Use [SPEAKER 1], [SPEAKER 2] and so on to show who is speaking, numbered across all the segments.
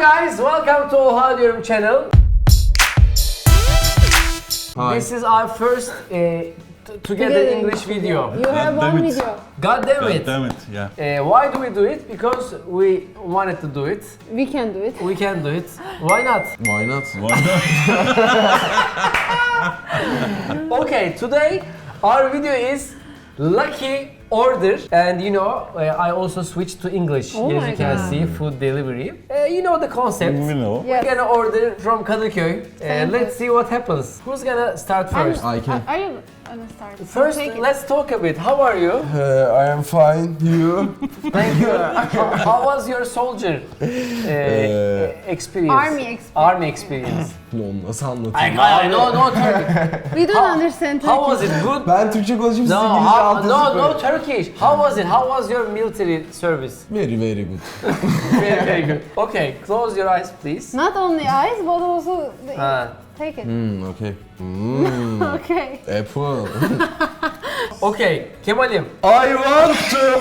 [SPEAKER 1] guys, welcome to Oha Diyorum channel.
[SPEAKER 2] Hi.
[SPEAKER 1] This is our first together English video.
[SPEAKER 3] You have
[SPEAKER 4] God damn
[SPEAKER 3] one
[SPEAKER 4] it.
[SPEAKER 3] video.
[SPEAKER 1] God damn
[SPEAKER 4] God
[SPEAKER 1] it.
[SPEAKER 4] damn it, yeah.
[SPEAKER 1] Why do we do it? Because we wanted to do it.
[SPEAKER 3] We can do it.
[SPEAKER 1] We can do it. Why not?
[SPEAKER 2] Why not?
[SPEAKER 4] Why not?
[SPEAKER 1] Okay, today our video is lucky order, and you know I also switched to English.
[SPEAKER 3] Oh
[SPEAKER 1] as
[SPEAKER 3] my
[SPEAKER 1] you can
[SPEAKER 3] God.
[SPEAKER 1] see, food delivery. You know the concept.
[SPEAKER 4] We know.
[SPEAKER 3] Yes.
[SPEAKER 1] We're gonna order from Kadıköy.
[SPEAKER 3] Thank
[SPEAKER 1] Let's
[SPEAKER 3] you.
[SPEAKER 1] see what happens. Who's gonna start first?
[SPEAKER 2] I can.
[SPEAKER 3] Are you gonna start?
[SPEAKER 1] First,
[SPEAKER 3] Take it.
[SPEAKER 1] let's talk a bit. How are you?
[SPEAKER 2] I am fine. You?
[SPEAKER 1] Thank you. How was your soldier experience?
[SPEAKER 3] Army experience.
[SPEAKER 1] Army experience.
[SPEAKER 2] Lan nasıl
[SPEAKER 1] I,
[SPEAKER 2] anlatayım?
[SPEAKER 1] no Turkish.
[SPEAKER 3] We don't understand Turkish.
[SPEAKER 1] How was it? Good?
[SPEAKER 2] Ben Türkçe konuşayım, siz
[SPEAKER 1] No,
[SPEAKER 2] İngilizce altı
[SPEAKER 1] no
[SPEAKER 2] sıfır.
[SPEAKER 1] Turkish. How was it? How was your military service?
[SPEAKER 2] Very good.
[SPEAKER 1] Very good. Okay, close your eyes, please.
[SPEAKER 3] Not only eyes, but also the,
[SPEAKER 1] Ha.
[SPEAKER 3] take it.
[SPEAKER 2] Okay.
[SPEAKER 3] Okay.
[SPEAKER 2] Apple.
[SPEAKER 1] Okay, Kemal'im.
[SPEAKER 2] I want to...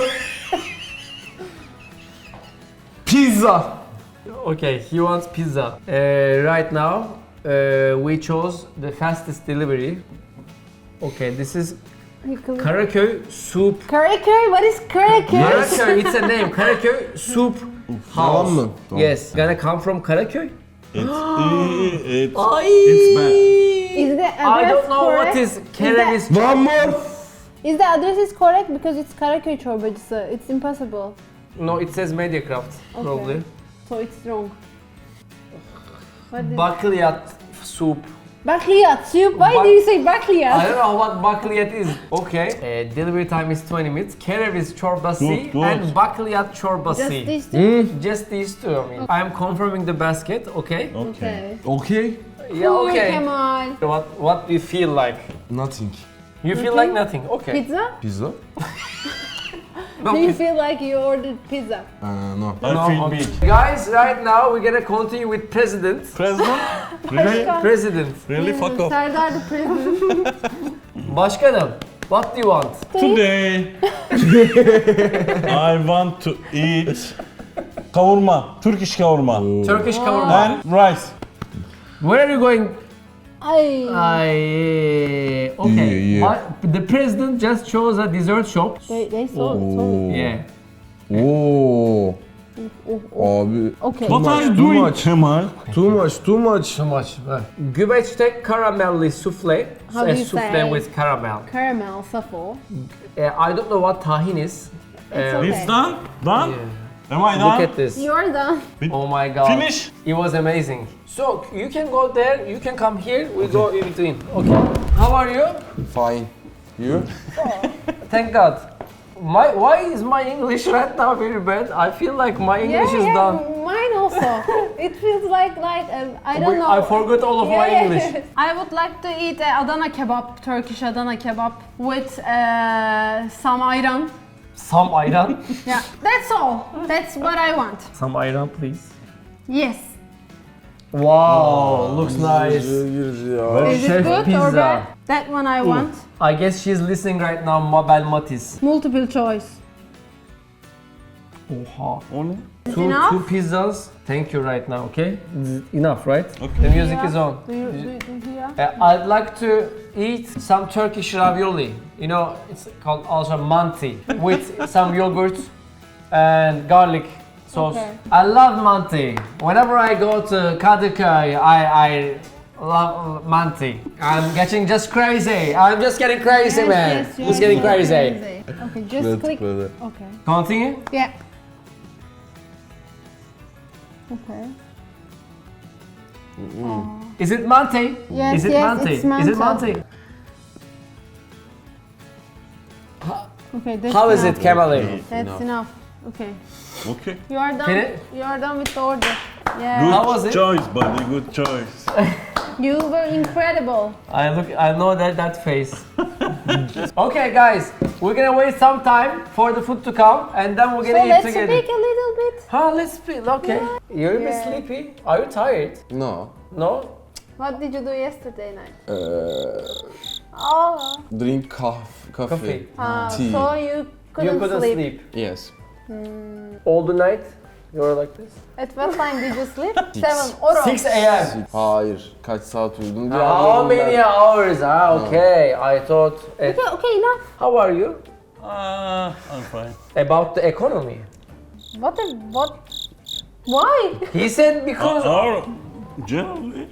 [SPEAKER 2] Pizza.
[SPEAKER 1] Okay, he wants pizza. Right now, we chose the fastest delivery. Okay, this is Karaköy Soup.
[SPEAKER 3] Karaköy? What is Karaköy?
[SPEAKER 1] Karaköy, it's a name. Karaköy Soup
[SPEAKER 2] Tamam
[SPEAKER 1] House.
[SPEAKER 2] mı? Tamam.
[SPEAKER 1] Yes, gonna come from Karaköy.
[SPEAKER 4] It's bad.
[SPEAKER 3] Is the
[SPEAKER 1] I
[SPEAKER 3] address
[SPEAKER 1] don't know
[SPEAKER 3] correct?
[SPEAKER 1] what is Kereviz.
[SPEAKER 2] One more.
[SPEAKER 3] Is the address is correct because it's Karaköy çorbacısı. It's impossible.
[SPEAKER 1] No, it says Mediacraft, probably.
[SPEAKER 3] So it's wrong. What is
[SPEAKER 1] Bakliyat soup.
[SPEAKER 3] Bakliyat soup. Why do you say bakliyat?
[SPEAKER 1] I don't know what bakliyat is. Okay. Delivery time is 20 minutes. Kereviz çorbası
[SPEAKER 4] Good.
[SPEAKER 1] and bakliyat çorbası.
[SPEAKER 3] Just these two?
[SPEAKER 1] Just these two. I mean, I am confirming the basket. Okay.
[SPEAKER 4] Okay.
[SPEAKER 2] Okay.
[SPEAKER 1] Yeah.
[SPEAKER 3] Cool,
[SPEAKER 1] Okay.
[SPEAKER 3] Kemal.
[SPEAKER 1] What do you feel like?
[SPEAKER 2] Nothing.
[SPEAKER 1] You feel like nothing. Okay.
[SPEAKER 3] Pizza?
[SPEAKER 2] Pizza?
[SPEAKER 1] No,
[SPEAKER 3] Do you
[SPEAKER 1] pizza.
[SPEAKER 3] feel like you ordered pizza?
[SPEAKER 2] No.
[SPEAKER 4] I
[SPEAKER 1] No,
[SPEAKER 4] feel
[SPEAKER 1] okay.
[SPEAKER 4] big.
[SPEAKER 1] Guys, right now we're gonna continue with president.
[SPEAKER 4] President? Really?
[SPEAKER 1] President.
[SPEAKER 4] Really? Fuck off.
[SPEAKER 3] Serdar the president.
[SPEAKER 1] Başkanım, what do you want?
[SPEAKER 4] Today, I want to eat kavurma, Turkish kavurma,
[SPEAKER 1] Turkish kavurma.
[SPEAKER 4] and rice.
[SPEAKER 1] Where are you going?
[SPEAKER 3] Ay.
[SPEAKER 1] Okay.
[SPEAKER 2] Yeah.
[SPEAKER 1] The president just chose a dessert shop.
[SPEAKER 3] They saw it.
[SPEAKER 1] Yeah.
[SPEAKER 2] Oo. Abi.
[SPEAKER 3] Okay.
[SPEAKER 4] What are you
[SPEAKER 2] Too
[SPEAKER 4] doing,
[SPEAKER 2] much.
[SPEAKER 4] Kemal?
[SPEAKER 2] Too much. Too much.
[SPEAKER 1] Too much. Güveçte karamelli souffle.
[SPEAKER 3] How do you
[SPEAKER 1] Souffle
[SPEAKER 3] say?
[SPEAKER 1] with caramel.
[SPEAKER 3] Caramel shuffle.
[SPEAKER 1] I don't know what tahin is.
[SPEAKER 3] It's okay.
[SPEAKER 4] It's done? Done?
[SPEAKER 1] Yeah.
[SPEAKER 4] Am I
[SPEAKER 1] Look
[SPEAKER 4] done?
[SPEAKER 1] at this.
[SPEAKER 3] You're done.
[SPEAKER 1] Oh my god.
[SPEAKER 4] Finish?
[SPEAKER 1] It was amazing. So you can go there, you can come here, we go in between. Okay. How are you?
[SPEAKER 2] Fine. You?
[SPEAKER 1] Thank God. Why is my English right now very bad? I feel like my English is done.
[SPEAKER 3] Mine also. It feels like I don't know.
[SPEAKER 1] I forgot all of my English.
[SPEAKER 3] I would like to eat Adana kebab, Turkish Adana kebab with some ayran.
[SPEAKER 1] Some ayran.
[SPEAKER 3] Yeah, that's all. That's what I want.
[SPEAKER 1] Some ayran, please.
[SPEAKER 3] Yes.
[SPEAKER 1] Wow, looks nice.
[SPEAKER 3] Is
[SPEAKER 1] Chef
[SPEAKER 3] it good
[SPEAKER 1] pizza.
[SPEAKER 3] or bad? That one I want.
[SPEAKER 1] I guess she's listening right now, Mabel Matiz.
[SPEAKER 3] Multiple choice.
[SPEAKER 1] Oha.
[SPEAKER 4] Only?
[SPEAKER 1] Two
[SPEAKER 3] enough?
[SPEAKER 1] pizzas. Thank you right now, okay? This is enough, right?
[SPEAKER 4] Okay.
[SPEAKER 1] The music is on.
[SPEAKER 3] Do you hear?
[SPEAKER 1] I'd like to eat some Turkish ravioli. You know, it's called also manti with some yogurt and garlic sauce.
[SPEAKER 3] Okay.
[SPEAKER 1] I love manti. Whenever I go to Kadıköy, I love manti. I'm getting just crazy. I'm just getting crazy, man.
[SPEAKER 3] Yes,
[SPEAKER 1] Just getting crazy.
[SPEAKER 3] Okay, just click. Okay.
[SPEAKER 1] Continue.
[SPEAKER 3] Yeah. Okay.
[SPEAKER 1] Is it manti?
[SPEAKER 3] Yes,
[SPEAKER 1] Is it
[SPEAKER 3] yes,
[SPEAKER 1] manti?
[SPEAKER 3] it's
[SPEAKER 1] Is it
[SPEAKER 3] manti.
[SPEAKER 1] manti?
[SPEAKER 3] Okay. That's
[SPEAKER 1] How is
[SPEAKER 3] enough.
[SPEAKER 1] it, Kemal'i?
[SPEAKER 3] That's enough. Okay.
[SPEAKER 4] Okay.
[SPEAKER 3] You are done.
[SPEAKER 1] Can it-
[SPEAKER 3] You are done with the order.
[SPEAKER 4] Good
[SPEAKER 3] Yeah.
[SPEAKER 1] How was it?
[SPEAKER 4] choice, buddy. Good choice.
[SPEAKER 3] You were incredible.
[SPEAKER 1] I know that face. Okay, guys, we're gonna wait some time for the food to come, and then we're
[SPEAKER 3] So
[SPEAKER 1] gonna eat
[SPEAKER 3] let's
[SPEAKER 1] together.
[SPEAKER 3] speak a little bit.
[SPEAKER 1] Huh? Let's speak. Okay. You're a bit
[SPEAKER 3] Yeah.
[SPEAKER 1] sleepy. Are you tired?
[SPEAKER 2] No.
[SPEAKER 1] No.
[SPEAKER 3] What did you do yesterday night? Oh.
[SPEAKER 2] Drink coffee.
[SPEAKER 1] Coffee.
[SPEAKER 3] So you couldn't,
[SPEAKER 1] You couldn't sleep.
[SPEAKER 2] Yes.
[SPEAKER 1] all the night. You're like this?
[SPEAKER 3] At what time did you sleep? 7 or
[SPEAKER 1] 6 a.m.
[SPEAKER 2] Hayır. Kaç saat uyudun diye
[SPEAKER 1] How
[SPEAKER 2] anladım ben.
[SPEAKER 1] many hours? Ah, okay. I thought.
[SPEAKER 3] Okay, enough.
[SPEAKER 1] How are you?
[SPEAKER 4] I'm fine.
[SPEAKER 1] About the economy.
[SPEAKER 3] What? Why?
[SPEAKER 1] He said because.
[SPEAKER 4] Or generally.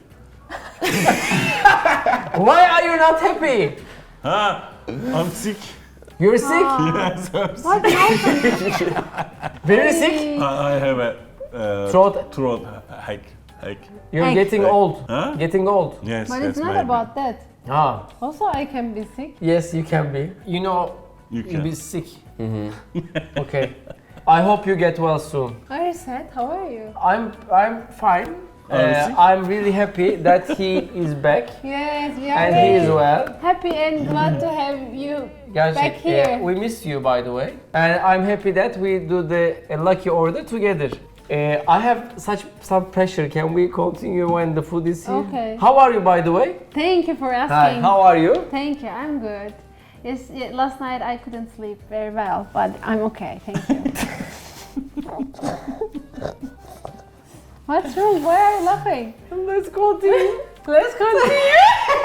[SPEAKER 1] Why are you not happy?
[SPEAKER 4] I'm sick.
[SPEAKER 1] You're sick.
[SPEAKER 4] Yes, I'm sick.
[SPEAKER 3] What happened?
[SPEAKER 1] Very sick.
[SPEAKER 4] I have a
[SPEAKER 1] Throat.
[SPEAKER 4] hack.
[SPEAKER 1] You're
[SPEAKER 3] Hey.
[SPEAKER 1] getting old.
[SPEAKER 4] Huh?
[SPEAKER 1] Getting old.
[SPEAKER 4] Yes,
[SPEAKER 3] But
[SPEAKER 4] yes,
[SPEAKER 3] it's not
[SPEAKER 4] maybe.
[SPEAKER 3] about that.
[SPEAKER 1] Ah.
[SPEAKER 3] Also, I can be sick.
[SPEAKER 1] Yes, you can be. You know,
[SPEAKER 4] You
[SPEAKER 1] you'll
[SPEAKER 4] can.
[SPEAKER 1] be sick. Okay. I hope you get well soon.
[SPEAKER 3] Are you sad? How are you?
[SPEAKER 1] I'm fine.
[SPEAKER 4] Are you sick?
[SPEAKER 1] I'm really happy that he is back
[SPEAKER 3] Yes, we are
[SPEAKER 1] and he is
[SPEAKER 3] very
[SPEAKER 1] well.
[SPEAKER 3] happy and glad to have you
[SPEAKER 1] Gerçek,
[SPEAKER 3] back here.
[SPEAKER 1] we miss you by the way. And I'm happy that we do the lucky order together. I have some pressure. Can we continue when the food is here?
[SPEAKER 3] Okay.
[SPEAKER 1] How are you by the way?
[SPEAKER 3] Thank you for
[SPEAKER 1] Hi,
[SPEAKER 3] asking.
[SPEAKER 1] how are you?
[SPEAKER 3] Thank you. I'm good. Yes, last night I couldn't sleep very well, but I'm okay. Thank you. What's wrong? Why are you laughing?
[SPEAKER 1] Let's continue.
[SPEAKER 3] Let's continue.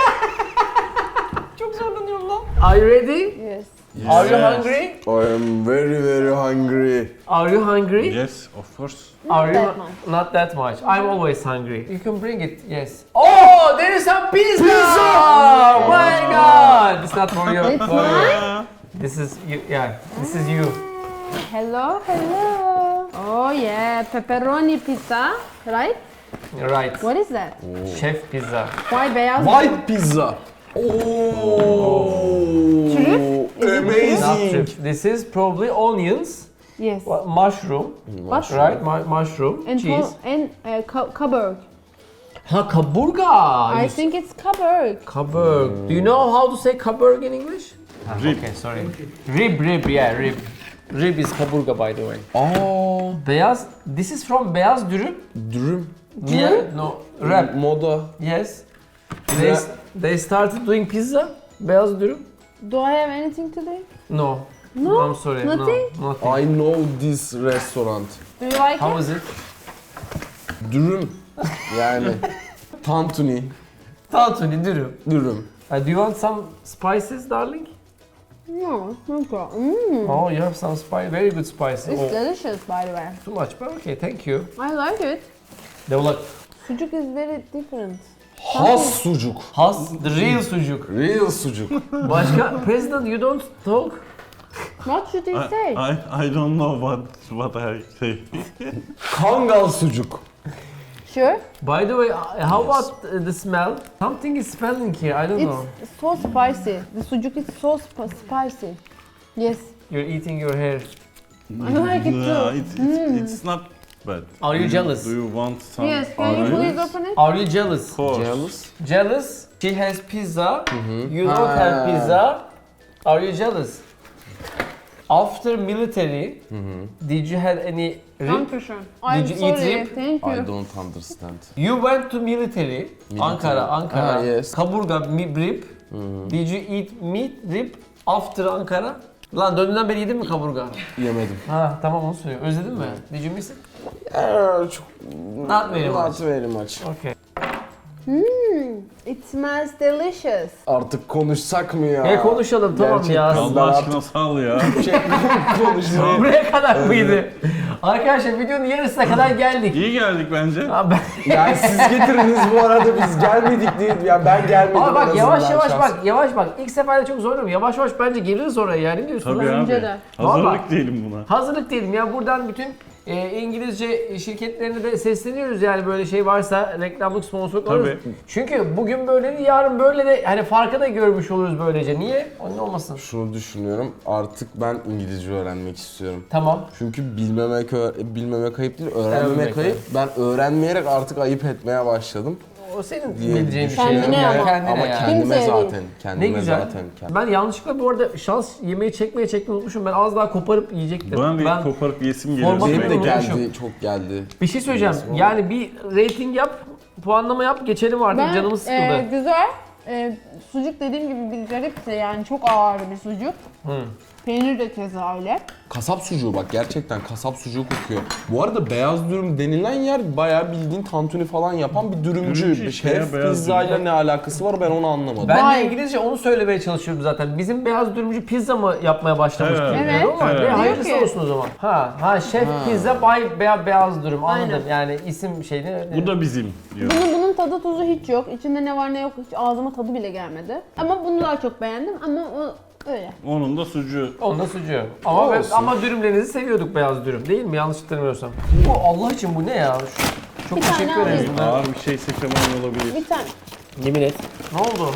[SPEAKER 1] Çok zorlanıyorum lan. Are you ready?
[SPEAKER 3] Yes.
[SPEAKER 1] Are you
[SPEAKER 4] Yes.
[SPEAKER 1] hungry?
[SPEAKER 2] I am very very hungry.
[SPEAKER 1] Are you hungry?
[SPEAKER 4] Yes, of course.
[SPEAKER 1] Are you
[SPEAKER 3] that much.
[SPEAKER 1] Not that much. I'm always hungry. You can bring it. Yes. Oh, there is some pizza! Oh my god! It's not for you.
[SPEAKER 3] It's
[SPEAKER 1] for you.
[SPEAKER 3] mine?
[SPEAKER 1] This is you. Yeah. This is you.
[SPEAKER 3] Hello, hello. Oh yeah, pepperoni pizza, right?
[SPEAKER 1] Right.
[SPEAKER 3] What is that?
[SPEAKER 1] Chef pizza.
[SPEAKER 3] Why beyaz?
[SPEAKER 2] White pizza. Oh.
[SPEAKER 3] Trüf? Is it
[SPEAKER 1] Not
[SPEAKER 2] Amazing.
[SPEAKER 1] true. This is probably onions,
[SPEAKER 3] Yes.
[SPEAKER 1] mushroom,
[SPEAKER 3] Mushroom.
[SPEAKER 1] right? Mushroom,
[SPEAKER 3] And
[SPEAKER 1] cheese.
[SPEAKER 3] kaburg.
[SPEAKER 1] Ha, kaburga.
[SPEAKER 3] I think it's kaburg.
[SPEAKER 1] Kaburg. Do you know how to say kaburg in English?
[SPEAKER 4] Rib.
[SPEAKER 1] Okay, sorry. Rib, yeah, rib. Rib is kaburga by the way.
[SPEAKER 2] Aa,
[SPEAKER 1] Beyaz, this is from beyaz dürüm.
[SPEAKER 2] dürüm.
[SPEAKER 1] Yeah, no, wrap.
[SPEAKER 2] Moda.
[SPEAKER 1] Yes. They started doing pizza, beyaz dürüm.
[SPEAKER 3] Do I have anything to do?
[SPEAKER 1] No.
[SPEAKER 3] No?
[SPEAKER 1] I'm sorry.
[SPEAKER 3] Nothing?
[SPEAKER 1] No, nothing.
[SPEAKER 2] I know this restaurant.
[SPEAKER 3] Do you like
[SPEAKER 1] How
[SPEAKER 3] it?
[SPEAKER 1] is it?
[SPEAKER 2] Dürüm. Yani tantuni,
[SPEAKER 1] Tantuni dürüm.
[SPEAKER 2] dürüm.
[SPEAKER 1] Do you want some spices, darling?
[SPEAKER 3] No, okay.
[SPEAKER 1] Oh, you have some spice, very good spices.
[SPEAKER 3] It's
[SPEAKER 1] Oh,
[SPEAKER 3] delicious, by the way.
[SPEAKER 1] too much, but okay, thank you.
[SPEAKER 3] I like it.
[SPEAKER 1] They were like,
[SPEAKER 3] Sucuk is very different.
[SPEAKER 2] Has sucuk.
[SPEAKER 1] has, the real sucuk.
[SPEAKER 2] Real sucuk.
[SPEAKER 1] Başka, President, you don't talk?
[SPEAKER 3] What should you say?
[SPEAKER 4] I don't know what I say.
[SPEAKER 2] Kangal sucuk.
[SPEAKER 3] Sure.
[SPEAKER 1] By the way, how about the smell? Something is smelling here, I don't know.
[SPEAKER 3] It's so spicy. The sucuk is so spicy. Yes.
[SPEAKER 1] You're eating your hair.
[SPEAKER 3] I like it
[SPEAKER 4] Yeah,
[SPEAKER 3] too.
[SPEAKER 4] it's not bad.
[SPEAKER 1] Are you jealous?
[SPEAKER 4] Do you want some?
[SPEAKER 3] Yes, can you
[SPEAKER 4] orange?
[SPEAKER 3] please open it?
[SPEAKER 1] Are you jealous?
[SPEAKER 4] Of course.
[SPEAKER 2] Jealous.
[SPEAKER 1] Jealous? She has pizza, you don't have pizza. Are you jealous? After military, did you have any rib?
[SPEAKER 3] Dankeschön. I'm
[SPEAKER 1] Did you eat
[SPEAKER 3] sorry.
[SPEAKER 1] rib?
[SPEAKER 3] Thank
[SPEAKER 2] I
[SPEAKER 3] you.
[SPEAKER 2] don't understand.
[SPEAKER 1] You went to military, Ankara.
[SPEAKER 2] Ah, yes.
[SPEAKER 1] Kaburga, rib. Did you eat meat, rib after Ankara? Lan döndüğünden beri yedin mi kaburga?
[SPEAKER 2] Yemedim.
[SPEAKER 1] Ha tamam onu söylüyor. Özledin mi? Did you miss it?
[SPEAKER 2] Çok...
[SPEAKER 1] Not very much.
[SPEAKER 2] Not very much.
[SPEAKER 1] Okay.
[SPEAKER 3] It smells delicious.
[SPEAKER 2] Artık konuşsak mı ya?
[SPEAKER 1] Konuşalım tamam
[SPEAKER 2] Gerçekten.
[SPEAKER 1] ya.
[SPEAKER 4] Allah aşkına sal ya.
[SPEAKER 2] Konuşmayı.
[SPEAKER 1] Buraya kadar mıydı? Arkadaşlar videonun yarısına kadar geldik.
[SPEAKER 4] İyi geldik bence.
[SPEAKER 1] Abi,
[SPEAKER 2] Yani siz getiriniz bu arada biz gelmedik değil. Yani ben gelmedim.
[SPEAKER 1] Ama
[SPEAKER 2] en
[SPEAKER 1] bak yavaş
[SPEAKER 2] azından
[SPEAKER 1] yavaş
[SPEAKER 2] şahsen.
[SPEAKER 1] bak yavaş bak. İlk seferde çok zorluyorum. Yavaş yavaş bence geliriz oraya yani. Ne diyorsun?
[SPEAKER 4] Tabii
[SPEAKER 3] Bence
[SPEAKER 4] abi.
[SPEAKER 3] de.
[SPEAKER 4] Hazırlık
[SPEAKER 1] Vallahi.
[SPEAKER 4] değilim buna.
[SPEAKER 1] Hazırlık değilim ya. Buradan bütün İngilizce şirketlerine de sesleniyoruz yani böyle şey varsa reklamlık sponsorluk
[SPEAKER 4] Tabii.
[SPEAKER 1] alırız. Çünkü bugün böyle de yarın böyle de hani farkı da görmüş oluruz böylece. Niye? Onun olmasın.
[SPEAKER 2] Şunu düşünüyorum. Artık ben İngilizce öğrenmek istiyorum.
[SPEAKER 1] Tamam.
[SPEAKER 2] Çünkü bilmemek ayıp değil, öğrenmemek
[SPEAKER 1] Öğrenmemek
[SPEAKER 2] ayıp. Ben öğrenmeyerek artık ayıp etmeye başladım.
[SPEAKER 1] O senin
[SPEAKER 2] Diye
[SPEAKER 1] bileceğin bir şey.
[SPEAKER 3] Kendine
[SPEAKER 1] Yani
[SPEAKER 3] ama.
[SPEAKER 1] Kendine
[SPEAKER 2] Ama
[SPEAKER 1] yani.
[SPEAKER 2] kendime
[SPEAKER 3] Kimseye değil.
[SPEAKER 2] zaten.
[SPEAKER 1] Ne
[SPEAKER 2] Kendime
[SPEAKER 1] güzel.
[SPEAKER 2] zaten.
[SPEAKER 1] Ben yanlışlıkla bu arada şans yemeği çekmeyi unutmuşum. Ben az daha koparıp yiyecektim.
[SPEAKER 4] Ben de koparıp yesim geliyor.
[SPEAKER 1] Formatı
[SPEAKER 2] Benim de
[SPEAKER 1] Unutmuşum.
[SPEAKER 2] geldi, çok geldi.
[SPEAKER 1] Bir şey söyleyeceğim. Yani bir rating yap, puanlama yap, geçelim artık. Canımız sıkıldı.
[SPEAKER 3] Güzel. Sucuk dediğim gibi bir garipti yani çok ağır bir sucuk. Peynir de keza öyle.
[SPEAKER 2] Kasap sucuğu bak gerçekten kasap sucuğu kokuyor. Bu arada beyaz dürüm denilen yer bayağı bildiğin tantuni falan yapan bir dürümcü.
[SPEAKER 4] Dürümcü işte ya,
[SPEAKER 2] Şef
[SPEAKER 4] beyaz
[SPEAKER 2] pizzayla
[SPEAKER 4] dürüm.
[SPEAKER 2] ne alakası var ben onu anlamadım.
[SPEAKER 1] Ben de
[SPEAKER 3] Vay.
[SPEAKER 1] İngilizce onu söylemeye çalışıyorum zaten. Bizim beyaz dürümcü pizza mı yapmaya başlamış
[SPEAKER 4] Evet.
[SPEAKER 1] gibi.
[SPEAKER 3] Evet.
[SPEAKER 1] Ama
[SPEAKER 4] Evet.
[SPEAKER 1] ne hayırlısı
[SPEAKER 3] Diyor ki-
[SPEAKER 1] olsun o zaman. Ha şef pizza by beyaz dürüm anladım.
[SPEAKER 3] Aynen.
[SPEAKER 1] Yani isim şeyini.
[SPEAKER 4] Bu da bizim diyor.
[SPEAKER 3] Bunun tadı tuzu hiç yok. İçinde ne var ne yok hiç ağzıma tadı bile gelmedi. Ama bunu daha çok beğendim ama o öyle.
[SPEAKER 4] Onun da sucuğu.
[SPEAKER 1] Onda sucuğu. Ama
[SPEAKER 2] Olsun.
[SPEAKER 1] ama dürümlerinizi seviyorduk beyaz dürüm değil mi? Yanlış hatırlamıyorsam. Bu Allah için bu ne ya? Çok
[SPEAKER 3] Bir tane
[SPEAKER 1] teşekkür ederiz.
[SPEAKER 3] alayım.
[SPEAKER 1] bunlar.
[SPEAKER 4] Ağır bir şeyse Kemal olabilir.
[SPEAKER 3] Bir tane.
[SPEAKER 1] Yemin et. Ne oldu?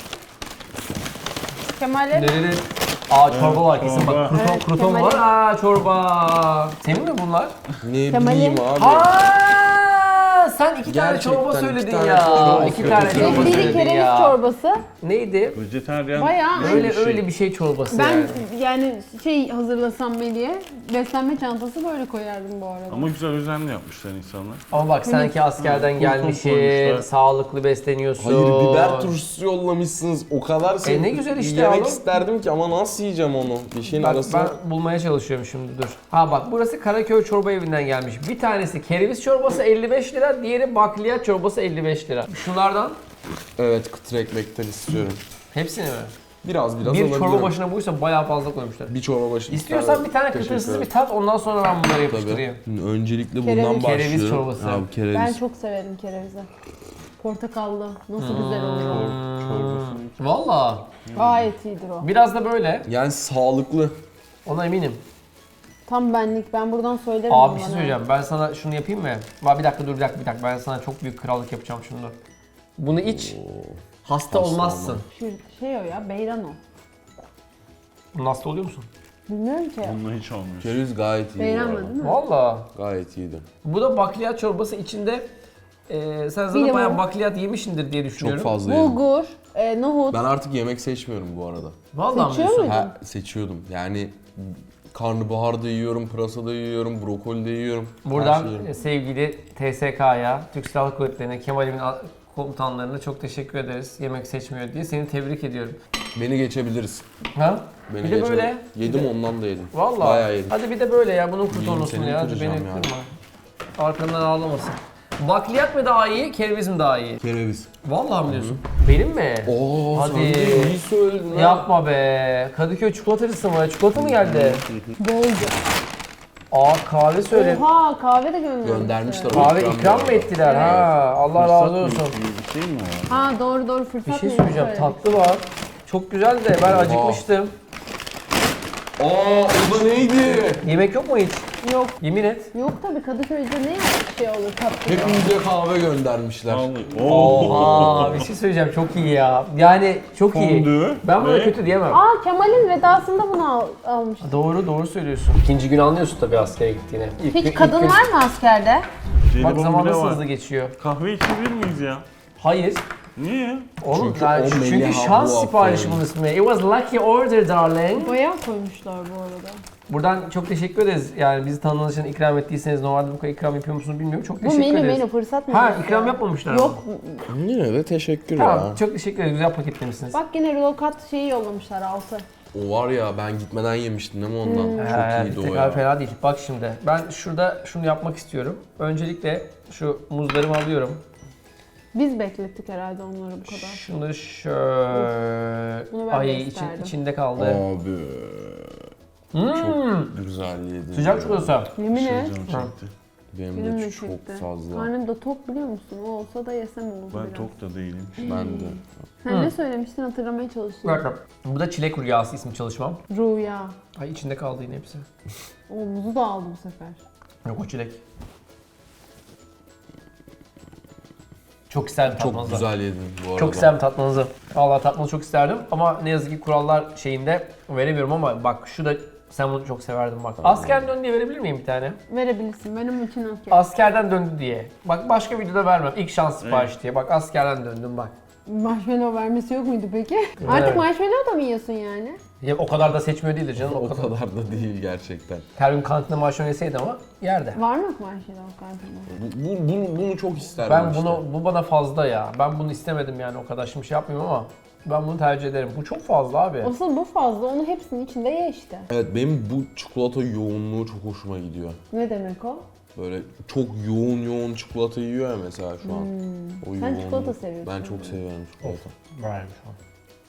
[SPEAKER 3] Kemal'e
[SPEAKER 1] Nerede? Aa çorba var kesin bak.
[SPEAKER 4] Çorba.
[SPEAKER 3] Evet,
[SPEAKER 1] Kruton var.
[SPEAKER 3] Kemal'in-
[SPEAKER 1] Aa çorba. Senin mi bunlar?
[SPEAKER 2] Ne
[SPEAKER 3] Kemal'in-
[SPEAKER 2] bileyim abi.
[SPEAKER 1] Aa sen iki tane
[SPEAKER 2] Gerçekten
[SPEAKER 1] çorba
[SPEAKER 2] iki
[SPEAKER 1] söyledin
[SPEAKER 2] tane
[SPEAKER 1] ya.
[SPEAKER 2] çorba
[SPEAKER 1] İki tane
[SPEAKER 2] söyledin.
[SPEAKER 1] çorba
[SPEAKER 3] biri
[SPEAKER 1] söyledin
[SPEAKER 3] kereviz
[SPEAKER 1] ya.
[SPEAKER 3] çorbası.
[SPEAKER 1] Neydi?
[SPEAKER 4] Vejetaryen
[SPEAKER 3] Bayağı
[SPEAKER 1] Öyle
[SPEAKER 4] bir şey.
[SPEAKER 1] öyle bir şey çorbası
[SPEAKER 3] Ben
[SPEAKER 1] yani.
[SPEAKER 3] yani şey hazırlasam Melih'e beslenme çantası böyle koyardım bu arada.
[SPEAKER 4] Ama güzel özenli yapmışlar insanlar.
[SPEAKER 1] Ama bak sanki askerden
[SPEAKER 4] Kurtum
[SPEAKER 1] gelmişsin,
[SPEAKER 4] koymuşlar.
[SPEAKER 1] sağlıklı besleniyorsun.
[SPEAKER 2] Hayır biber turşusu yollamışsınız. O kadar
[SPEAKER 1] ne güzel işte
[SPEAKER 2] yemek
[SPEAKER 1] oğlum.
[SPEAKER 2] isterdim ki ama nasıl yiyeceğim onu? Bir şeyin
[SPEAKER 1] Bak
[SPEAKER 2] arasına.
[SPEAKER 1] ben bulmaya çalışıyorum şimdi dur. Ha bak burası Karaköy çorba evinden gelmiş. Bir tanesi kereviz çorbası 55 lira, diğeri bakliyat çorbası 55 lira. Şunlardan
[SPEAKER 2] Evet kıtır ekmekten istiyorum.
[SPEAKER 1] hepsini mi?
[SPEAKER 2] Biraz
[SPEAKER 1] Bir
[SPEAKER 2] alabilirim.
[SPEAKER 1] çorba başına buysa bayağı fazla koymuşlar.
[SPEAKER 2] Bir çorba başına.
[SPEAKER 1] İstiyorsan bir tane
[SPEAKER 2] Teşekkür
[SPEAKER 1] kıtırsız
[SPEAKER 2] ederim.
[SPEAKER 1] bir tat ondan sonra ben bunları yapıştırayım.
[SPEAKER 2] Tabii. Öncelikle
[SPEAKER 3] Kereviz.
[SPEAKER 2] bundan başlıyorum.
[SPEAKER 1] Kereviz çorbası.
[SPEAKER 2] Abi kereviz.
[SPEAKER 3] Ben çok severim kerevizi. Portakallı. Nasıl güzel oluyor.
[SPEAKER 4] Çorbasını.
[SPEAKER 1] Valla
[SPEAKER 3] Gayet iyidir o.
[SPEAKER 1] biraz da böyle.
[SPEAKER 2] Yani sağlıklı.
[SPEAKER 1] Ona eminim.
[SPEAKER 3] Tam benlik. Ben buradan söylerim.
[SPEAKER 1] Abi bir şey
[SPEAKER 3] bana.
[SPEAKER 1] söyleyeceğim. Ben sana şunu yapayım mı? Bir dakika dur bir dakika. Ben sana çok büyük krallık yapacağım şimdi. Bunu iç. Hasta olmazsın.
[SPEAKER 3] Şu şey o ya, beyran o.
[SPEAKER 1] Bunun hasta oluyor musun?
[SPEAKER 3] Bilmiyorum ki.
[SPEAKER 4] Onunla hiç olmuyor.
[SPEAKER 2] Kereviz gayet iyi.
[SPEAKER 3] Beyran
[SPEAKER 2] bu
[SPEAKER 3] mı
[SPEAKER 2] arada.
[SPEAKER 3] değil mi?
[SPEAKER 1] Valla.
[SPEAKER 2] Gayet iyiydi.
[SPEAKER 1] Bu da bakliyat çorbası içinde sen zaten
[SPEAKER 3] Bilmiyorum.
[SPEAKER 1] bayağı bakliyat yemişsindir diye
[SPEAKER 2] Çok
[SPEAKER 1] düşünüyorum.
[SPEAKER 2] fazla yedim.
[SPEAKER 3] Bulgur, nohut.
[SPEAKER 2] Ben artık yemek seçmiyorum bu arada.
[SPEAKER 1] Vallahi mi
[SPEAKER 3] Seçiyor
[SPEAKER 1] diyorsun?
[SPEAKER 3] muydun?
[SPEAKER 2] Ha, seçiyordum. Yani karnabahar da yiyorum, pırasa da yiyorum, brokoli de yiyorum. Her
[SPEAKER 1] Buradan
[SPEAKER 2] şeyi yiyorum.
[SPEAKER 1] sevgili TSK'ya, Türk Silahlı Kuvvetleri'ne, Kemal'imin komutanlarına çok teşekkür ederiz. Yemek seçmiyor diye. Seni tebrik ediyorum.
[SPEAKER 2] Beni geçebiliriz.
[SPEAKER 1] Ha?
[SPEAKER 2] Beni
[SPEAKER 1] Bir de
[SPEAKER 2] geçebiliriz.
[SPEAKER 1] böyle.
[SPEAKER 2] Yedim ondan da yedim.
[SPEAKER 1] Vallahi.
[SPEAKER 2] Bayağı yedim.
[SPEAKER 1] Hadi bir de böyle ya. Bunun
[SPEAKER 2] Yiyeyim,
[SPEAKER 1] kurtulmasın
[SPEAKER 2] seni
[SPEAKER 1] ya. Hadi
[SPEAKER 2] bitireceğim
[SPEAKER 1] beni
[SPEAKER 2] ya.
[SPEAKER 1] kırma. Arkandan ağlamasın. Bakliyat mı daha iyi, kereviz mi daha iyi?
[SPEAKER 2] Kereviz.
[SPEAKER 1] Vallahi mi diyorsun? Benim mi?
[SPEAKER 2] Oo,
[SPEAKER 1] Hadi.
[SPEAKER 2] sen de iyi söyledin ha.
[SPEAKER 1] Yapma be. Kadıköy çikolatacısı mı? Çikolata mı geldi?
[SPEAKER 3] Bolca.
[SPEAKER 1] Aa kahve söyle.
[SPEAKER 3] Oha, kahve de göndermişler.
[SPEAKER 2] Göndermişler.
[SPEAKER 1] Kahve
[SPEAKER 2] İkram
[SPEAKER 1] ikram mı
[SPEAKER 2] bu arada.
[SPEAKER 1] ettiler? Ha, Allah razı olsun.
[SPEAKER 4] Bir şey mi var?
[SPEAKER 3] Ha doğru fırsat
[SPEAKER 1] Bir şey
[SPEAKER 3] mı?
[SPEAKER 1] söyleyeceğim. Tatlı var. Çok güzel de ben acıkmıştım.
[SPEAKER 2] Aa o da neydi?
[SPEAKER 1] Yemek yok mu hiç?
[SPEAKER 3] Yok.
[SPEAKER 1] Yemin et.
[SPEAKER 3] Yok tabii Kadıköy'de ne şey olur tatlı.
[SPEAKER 2] Hepimize kahve göndermişler.
[SPEAKER 4] Vallahi. Oo.
[SPEAKER 1] Oha bir şey söyleyeceğim. Çok iyi ya. Yani çok iyi.
[SPEAKER 4] Fondü
[SPEAKER 1] Ben buna
[SPEAKER 4] ve-
[SPEAKER 1] kötü diyemem.
[SPEAKER 3] Aa Kemal'in vedasında bunu almıştım.
[SPEAKER 1] Doğru söylüyorsun. İkinci gün anlıyorsun tabii askere gittiğini.
[SPEAKER 3] Hiç kadın var mı askerde?
[SPEAKER 1] Bak
[SPEAKER 4] Jelibon
[SPEAKER 1] zaman
[SPEAKER 4] bile
[SPEAKER 1] nasıl
[SPEAKER 4] var.
[SPEAKER 1] hızlı geçiyor.
[SPEAKER 4] Kahve içebilir miyiz ya?
[SPEAKER 1] Hayır.
[SPEAKER 4] Niye?
[SPEAKER 1] Oğlum
[SPEAKER 2] Çünkü
[SPEAKER 1] yani
[SPEAKER 2] o
[SPEAKER 1] çünkü
[SPEAKER 2] Melih
[SPEAKER 1] şans
[SPEAKER 2] abla
[SPEAKER 1] siparişi
[SPEAKER 2] aferin.
[SPEAKER 1] bunun ismi. It was lucky order darling.
[SPEAKER 3] Bayağı koymuşlar bu arada.
[SPEAKER 1] Buradan çok teşekkür ederiz. Yani bizi tanıdığınız için ikram ettiyseniz normalde bu kadar ikram yapıyor musunuz bilmiyorum. Çok
[SPEAKER 3] Bu
[SPEAKER 1] teşekkür ederiz.
[SPEAKER 3] menü fırsat mı?
[SPEAKER 1] Ha ikram yapmamışlar ama.
[SPEAKER 3] Yok.
[SPEAKER 2] Yine de teşekkür
[SPEAKER 1] Tamam
[SPEAKER 2] ya.
[SPEAKER 1] çok teşekkür ederiz. Güzel paketlemişsiniz.
[SPEAKER 3] Bak yine rokat şeyi yollamışlar altı.
[SPEAKER 2] O var ya ben gitmeden yemiştim değil mi ondan? Çok iyiydi o
[SPEAKER 1] tekrar
[SPEAKER 2] ya.
[SPEAKER 1] fena değil. Bak şimdi ben şurada şunu yapmak istiyorum. Öncelikle şu muzlarımı alıyorum.
[SPEAKER 3] Biz beklettik herhalde onları bu kadar.
[SPEAKER 1] Şunu şöyle...
[SPEAKER 3] Bunu ben de
[SPEAKER 1] Ay
[SPEAKER 3] isterdim.
[SPEAKER 1] içinde kaldı.
[SPEAKER 2] Abi
[SPEAKER 1] Hmm.
[SPEAKER 2] çok güzel yedin.
[SPEAKER 1] Sıcak
[SPEAKER 2] ya.
[SPEAKER 1] çikolata.
[SPEAKER 3] Yemin et.
[SPEAKER 4] Canım çekti.
[SPEAKER 2] Benim
[SPEAKER 3] Benim
[SPEAKER 2] de
[SPEAKER 3] de
[SPEAKER 2] çok
[SPEAKER 3] çekti.
[SPEAKER 2] fazla.
[SPEAKER 3] Karnım da tok biliyor musun? O olsa da yesem olurdu
[SPEAKER 4] Ben
[SPEAKER 3] biraz.
[SPEAKER 4] tok da değilim.
[SPEAKER 2] Ben de.
[SPEAKER 3] Sen ne söylemiştin hatırlamaya
[SPEAKER 1] Bir
[SPEAKER 3] çalışıyorum.
[SPEAKER 1] dakika. Bu da çilek rüyası ismi çalışmam.
[SPEAKER 3] Rüya.
[SPEAKER 1] Ay içinde kaldı yine hepsi.
[SPEAKER 3] O muzu da aldı bu sefer.
[SPEAKER 1] Yok o çilek. Çok isterdim
[SPEAKER 2] Çok
[SPEAKER 1] tatmanızı.
[SPEAKER 2] güzel yedin bu arada.
[SPEAKER 1] Çok isterdim tatmanızı. Vallahi tatmanızı çok isterdim ama ne yazık ki kurallar şeyinde veremiyorum ama bak şu da sen bunu çok severdin bak. Askerden döndü diye verebilir miyim bir tane?
[SPEAKER 3] Verebilirsin. Benim için okey.
[SPEAKER 1] Askerden döndü diye. Bak başka videoda vermem. İlk şans sipariş diye. Bak askerden döndüm bak.
[SPEAKER 3] Marshmallow vermesi yok muydu peki?
[SPEAKER 1] Evet.
[SPEAKER 3] Artık marshmallow da mı yiyorsun yani?
[SPEAKER 1] Ya, o kadar da seçmiyor değildir canım.
[SPEAKER 2] O kadar da değil gerçekten.
[SPEAKER 1] Her gün kantinde marshmallow yeseydi ama yerde.
[SPEAKER 3] Var mı Marshmallow kantinde?
[SPEAKER 2] Bunu çok isterdim
[SPEAKER 1] Ben
[SPEAKER 2] işte.
[SPEAKER 1] bu bana fazla ya. Ben bunu istemedim yani o kadar şimdi şey yapmıyorum ama ben bunu tercih ederim. Bu çok fazla abi.
[SPEAKER 3] Asıl bu fazla, onu hepsinin içinde ye işte.
[SPEAKER 2] Evet benim bu çikolata yoğunluğu çok hoşuma gidiyor.
[SPEAKER 3] Ne demek o?
[SPEAKER 2] Böyle çok yoğun çikolata yiyor ya mesela şu an. O
[SPEAKER 3] Sen
[SPEAKER 2] yoğunluğu.
[SPEAKER 3] çikolata seviyorsun.
[SPEAKER 2] Ben çok seviyorum çikolata.
[SPEAKER 1] Vermiş şu an.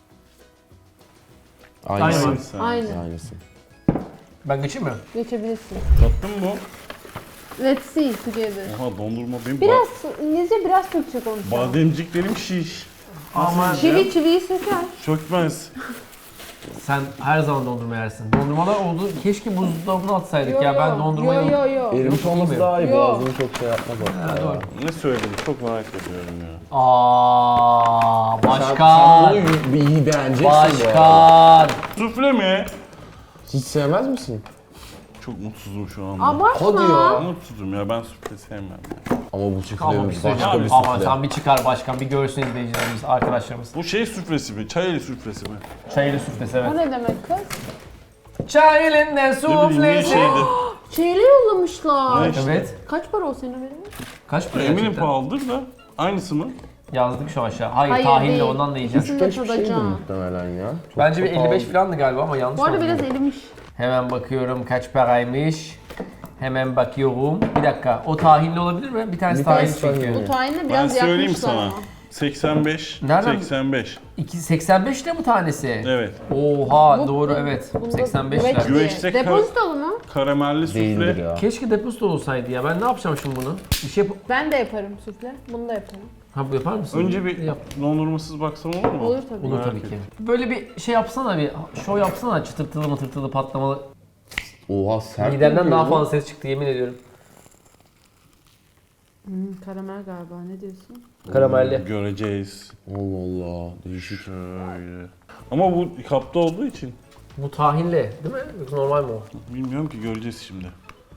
[SPEAKER 2] Aynısı.
[SPEAKER 1] Aynı.
[SPEAKER 3] Aynen.
[SPEAKER 2] Aynısı.
[SPEAKER 1] Ben geçeyim mi?
[SPEAKER 3] Geçebilirsin.
[SPEAKER 4] Tattın mı?
[SPEAKER 3] Let's see together.
[SPEAKER 4] Oha dondurma benim
[SPEAKER 3] Biraz İngilizce, biraz Türkçe konuşalım.
[SPEAKER 4] bademciklerim şiş.
[SPEAKER 1] Ama
[SPEAKER 3] Çiviyi söker.
[SPEAKER 4] Çökmez.
[SPEAKER 1] sen her zaman dondurma yersin. Dondurmalar oldu. Keşke buzdolabına atsaydık ya. Ben dondurmayı...
[SPEAKER 3] Yo.
[SPEAKER 2] Erimiş olması daha iyi.
[SPEAKER 3] Yo.
[SPEAKER 2] Boğazını çok şey yapmaz
[SPEAKER 1] Ha,
[SPEAKER 2] hatta.
[SPEAKER 1] doğru.
[SPEAKER 4] Ne söyledin? Çok merak ediyorum ya.
[SPEAKER 1] Aa,
[SPEAKER 2] Sen
[SPEAKER 1] başkan.
[SPEAKER 2] bunu bir iyi beğeneceksin bu arada.
[SPEAKER 1] Başkan.
[SPEAKER 4] Sufle mi?
[SPEAKER 2] Hiç sevmez misin?
[SPEAKER 4] Çok mutsuzum şu anda.
[SPEAKER 3] Abartma.
[SPEAKER 2] Hadi ya.
[SPEAKER 4] Mutsuzum ya, ben sufle sevmem.
[SPEAKER 2] Ama bu
[SPEAKER 1] Ama
[SPEAKER 2] sufle
[SPEAKER 1] bir şey
[SPEAKER 2] başka
[SPEAKER 1] söyleyeceğim.
[SPEAKER 2] bir
[SPEAKER 1] Ama
[SPEAKER 2] sufle.
[SPEAKER 1] sen bir çıkar başkan. Bir görsün izleyicilerimiz, arkadaşlarımız.
[SPEAKER 4] Bu şey suflesi mi? Çayeli suflesi mi?
[SPEAKER 1] Çaylı suflesi
[SPEAKER 3] O
[SPEAKER 1] evet.
[SPEAKER 3] ne demek kız?
[SPEAKER 1] Çayılın ne
[SPEAKER 4] Ne bileyim niye
[SPEAKER 1] suflesi.
[SPEAKER 4] şeydi?
[SPEAKER 3] Şeyle yollamışlar.
[SPEAKER 4] Ne işte?
[SPEAKER 1] Evet.
[SPEAKER 3] Kaç para o senin haberin var?
[SPEAKER 1] Kaç para
[SPEAKER 4] Eminim
[SPEAKER 1] gerçekten?
[SPEAKER 4] pahalıdır da. Aynısı mı?
[SPEAKER 1] Yazdık şu aşağı. Hayır,
[SPEAKER 3] Hayır,
[SPEAKER 1] tahinle
[SPEAKER 3] değil.
[SPEAKER 1] ondan da yiyeceğiz.
[SPEAKER 3] İkisini de
[SPEAKER 2] Hiçbir şeydir
[SPEAKER 3] tadacağım.
[SPEAKER 2] muhtemelen ya. Çok
[SPEAKER 1] Bence bir
[SPEAKER 2] çok
[SPEAKER 1] 55
[SPEAKER 2] pahalı.
[SPEAKER 1] falandı galiba ama yanlış
[SPEAKER 3] Bu arada
[SPEAKER 1] mı
[SPEAKER 3] biraz
[SPEAKER 1] anladım?
[SPEAKER 3] erimiş.
[SPEAKER 1] Hemen bakıyorum kaç paraymış. Hemen bakıyorum. Bir dakika. O tahinli olabilir mi? Bir tanesi
[SPEAKER 2] Bir
[SPEAKER 1] tahin
[SPEAKER 2] tanesi
[SPEAKER 1] çünkü.
[SPEAKER 2] tahinli.
[SPEAKER 3] Bu tayinle
[SPEAKER 4] Ben
[SPEAKER 3] biraz
[SPEAKER 4] söyleyeyim
[SPEAKER 3] yakmışlar
[SPEAKER 4] sana.
[SPEAKER 3] ama.
[SPEAKER 4] 85.
[SPEAKER 1] Nereden?
[SPEAKER 4] 85.
[SPEAKER 1] 85 de bu tanesi.
[SPEAKER 4] Evet.
[SPEAKER 1] Oha
[SPEAKER 3] Bu-
[SPEAKER 1] doğru
[SPEAKER 3] bu-
[SPEAKER 1] evet.
[SPEAKER 3] bunda
[SPEAKER 1] 85
[SPEAKER 3] güveç
[SPEAKER 1] lira.
[SPEAKER 3] değil.
[SPEAKER 4] Güveçte
[SPEAKER 3] Depozitolu mu?
[SPEAKER 4] Karamelli
[SPEAKER 2] Değildir
[SPEAKER 4] sufle.
[SPEAKER 2] ya.
[SPEAKER 1] Keşke depozito olsaydı ya. Ben ne yapacağım şimdi bunu? Bir şey yap...
[SPEAKER 3] Ben de yaparım sufle. Bunu da yaparım.
[SPEAKER 1] Ha bu yapar mısın?
[SPEAKER 4] Önce bir
[SPEAKER 1] Yap.
[SPEAKER 4] dondurmasız baksam olur mu?
[SPEAKER 3] Olur tabii.
[SPEAKER 1] Olur
[SPEAKER 4] Merak
[SPEAKER 1] tabii ki.
[SPEAKER 4] ettim.
[SPEAKER 1] Böyle bir şey yapsana bir show yapsana çıtırtılı mıtırtılı patlamalı.
[SPEAKER 2] Oha sert.
[SPEAKER 1] Midemden
[SPEAKER 2] mi
[SPEAKER 1] daha
[SPEAKER 2] bu?
[SPEAKER 1] fazla ses çıktı yemin ediyorum.
[SPEAKER 3] Karamel galiba, ne diyorsun?
[SPEAKER 1] Karamelli.
[SPEAKER 4] Göreceğiz.
[SPEAKER 2] Allah Allah. Değişik.
[SPEAKER 4] Şöyle. Ama bu kapta olduğu için
[SPEAKER 1] Bu tahinli değil mi? Yoksa normal mi o?
[SPEAKER 4] bilmiyorum ki, göreceğiz şimdi.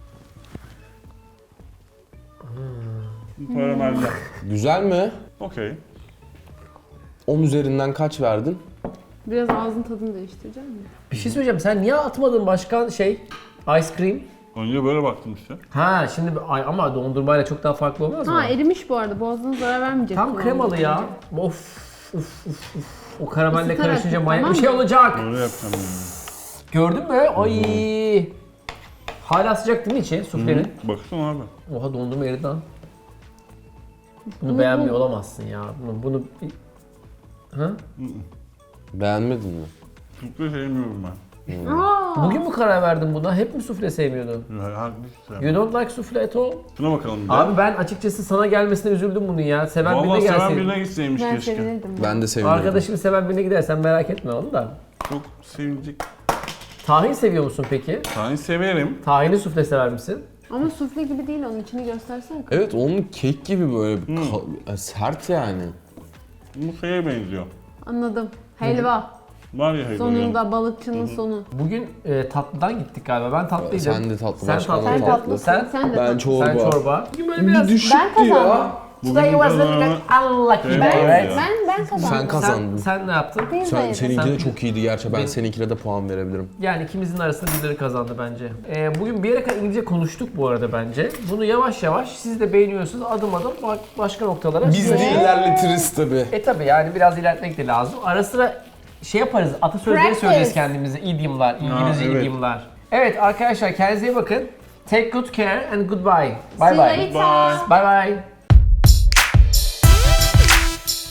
[SPEAKER 4] Karamelli.
[SPEAKER 2] Güzel mi?
[SPEAKER 4] Okey.
[SPEAKER 2] 10 üzerinden kaç verdin?
[SPEAKER 3] Biraz ağzın tadını değiştireceğim mi?
[SPEAKER 1] Bir şey söyleyeceğim. Sen niye atmadın başkan ice cream?
[SPEAKER 4] Önce böyle baktım işte.
[SPEAKER 1] Ha şimdi ay ama dondurmayla çok daha farklı olmaz mı?
[SPEAKER 3] Ha erimiş bu arada, boğazına zarar vermeyecek.
[SPEAKER 1] Tam
[SPEAKER 3] kıvamda.
[SPEAKER 1] kremalı ya. Of. O karamelle
[SPEAKER 3] Isıtarak
[SPEAKER 1] karışınca
[SPEAKER 3] yap,
[SPEAKER 1] manyak
[SPEAKER 3] tamam
[SPEAKER 1] bir şey
[SPEAKER 3] mı?
[SPEAKER 1] olacak.
[SPEAKER 4] Böyle yapacağım yani.
[SPEAKER 1] Gördün mü? Ay. Hala sıcak değil mi içi suflenin?
[SPEAKER 4] Baksana abi.
[SPEAKER 1] Oha dondurma eridi lan. Bunu beğenmiyor olamazsın ya. Bunu... Ha?
[SPEAKER 2] Beğenmedin mi?
[SPEAKER 4] Sufle sevmiyorum ben.
[SPEAKER 3] Aa,
[SPEAKER 1] Bugün mü karar verdin buna? Hep mi sufle sevmiyordun?
[SPEAKER 4] Haklısın.
[SPEAKER 1] You don't like sufle at all?
[SPEAKER 4] Şuna bakalım bir de.
[SPEAKER 1] Abi ben açıkçası sana gelmesine üzüldüm bunu ya. Seven birine
[SPEAKER 4] Vallahi seven
[SPEAKER 1] gelsin.
[SPEAKER 4] birine gitseymiş
[SPEAKER 3] ben
[SPEAKER 4] keşke.
[SPEAKER 3] sevinirdim.
[SPEAKER 2] Ben de sevindim.
[SPEAKER 1] Arkadaşım seven birine gidersen merak etme onu da.
[SPEAKER 4] Çok sevinecek.
[SPEAKER 1] Tahin seviyor musun peki?
[SPEAKER 4] Tahin severim.
[SPEAKER 1] Tahinli sufle sever misin?
[SPEAKER 3] Ama sufle gibi değil, onun içini göstersene.
[SPEAKER 2] Evet onun kek gibi böyle sert yani.
[SPEAKER 4] Bu şeye benziyor.
[SPEAKER 3] Anladım. Helva.
[SPEAKER 4] Var ya helva.
[SPEAKER 3] Sonunda balıkçının sonu.
[SPEAKER 1] Bugün tatlıdan gittik galiba. Ben tatlıydım.
[SPEAKER 2] Sen de tatlı,
[SPEAKER 1] Sen
[SPEAKER 2] başkan
[SPEAKER 1] tatlı.
[SPEAKER 3] Sen
[SPEAKER 2] da
[SPEAKER 3] tatlısın.
[SPEAKER 1] Sen-
[SPEAKER 3] Sen de
[SPEAKER 2] Ben
[SPEAKER 3] tatlı.
[SPEAKER 2] çorba.
[SPEAKER 1] Sen çorba. Bugün böyle
[SPEAKER 2] Bir
[SPEAKER 1] biraz...
[SPEAKER 2] düşüktü
[SPEAKER 3] Ben kazandım.
[SPEAKER 2] ya.
[SPEAKER 1] Today was
[SPEAKER 4] Bugün
[SPEAKER 1] unlucky.
[SPEAKER 4] Ben-
[SPEAKER 1] Evet.
[SPEAKER 3] Ben kazandım.
[SPEAKER 2] Sen kazandın.
[SPEAKER 1] Sen ne yaptın?
[SPEAKER 3] Pizza yedim.
[SPEAKER 2] Seninki de çok iyiydi gerçi. Ben
[SPEAKER 1] Benim-
[SPEAKER 2] seninkine de puan verebilirim.
[SPEAKER 1] Yani ikimizin arasında birileri kazandı bence. Bugün bir yere kadar İngilizce konuştuk bu arada bence. Bunu yavaş yavaş siz de beğeniyorsunuz adım adım başka noktalara.
[SPEAKER 2] Biz de ilerletiriz tabii.
[SPEAKER 1] Tabi yani biraz ilerletmek de lazım. Ara sıra şey yaparız, atasözleri
[SPEAKER 3] Practice.
[SPEAKER 1] söyleriz kendimize, idiomlar, İngilizce
[SPEAKER 4] evet.
[SPEAKER 1] idiomlar. Evet arkadaşlar kendinize iyi bakın. Take good care and goodbye. Bye
[SPEAKER 3] See you
[SPEAKER 1] bye.
[SPEAKER 3] later.
[SPEAKER 4] Bye.
[SPEAKER 1] Bye bye.